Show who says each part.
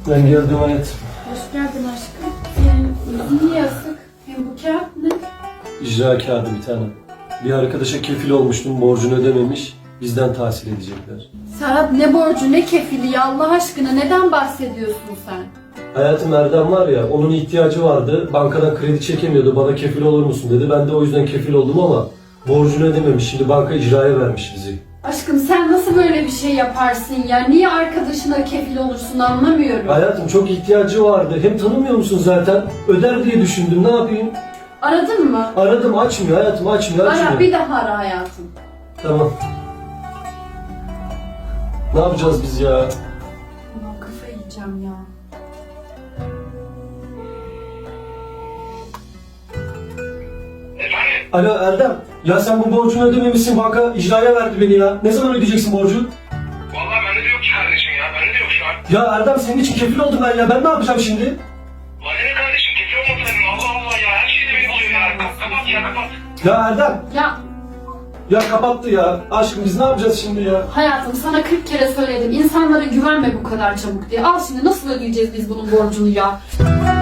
Speaker 1: Ben geldim hayatım.
Speaker 2: Hoş geldin aşkım. Senin yüzün niye asık? Hem bu kağıt ne?
Speaker 1: İcra kağıdı bir tane. Bir arkadaşa kefil olmuştum, borcunu ödememiş. Bizden tahsil edecekler.
Speaker 2: Serhat ne borcu ne kefili ya Allah aşkına neden bahsediyorsun sen?
Speaker 1: Hayatım Erdem var ya, onun ihtiyacı vardı. Bankadan kredi çekemiyordu, bana kefil olur musun dedi. Ben de o yüzden kefil oldum ama borcunu ödememiş. Şimdi banka icraya vermiş bizi.
Speaker 2: Aşkım sen nasıl böyle bir şey yaparsın ya? Niye arkadaşına kefil olursun anlamıyorum.
Speaker 1: Hayatım çok ihtiyacı vardı. Hem tanımıyor musun zaten? Öder diye düşündüm, ne yapayım?
Speaker 2: Aradın mı?
Speaker 1: Aradım, açmıyor hayatım, açmıyor.
Speaker 2: Ara bir daha ara hayatım.
Speaker 1: Tamam. Ne yapacağız biz ya?
Speaker 2: Ulan kafayı yiyeceğim ya.
Speaker 3: Efendim?
Speaker 1: Alo Erdem, ya sen bu borcunu ödememişsin, banka icraya verdi beni ya. Ne zaman ödeyeceksin borcu?
Speaker 3: Vallahi bende de yok ki kardeşim ya. Bende de yok şu an.
Speaker 1: Ya Erdem senin için kefil oldum ben ya, ben ne yapacağım şimdi?
Speaker 3: Bana ne kardeşim? Kefil olmasaydın. Allah Allah ya. Her şeyi de beni buluyor ya. Kapat ya kapat.
Speaker 1: Ya Erdem,
Speaker 2: Ya
Speaker 1: ya kapattı ya. Aşkım biz ne yapacağız şimdi ya?
Speaker 2: hayatım sana 40 kere söyledim. İnsanlara güvenme bu kadar çabuk diye. Al şimdi nasıl ödeyeceğiz biz bunun borcunu ya?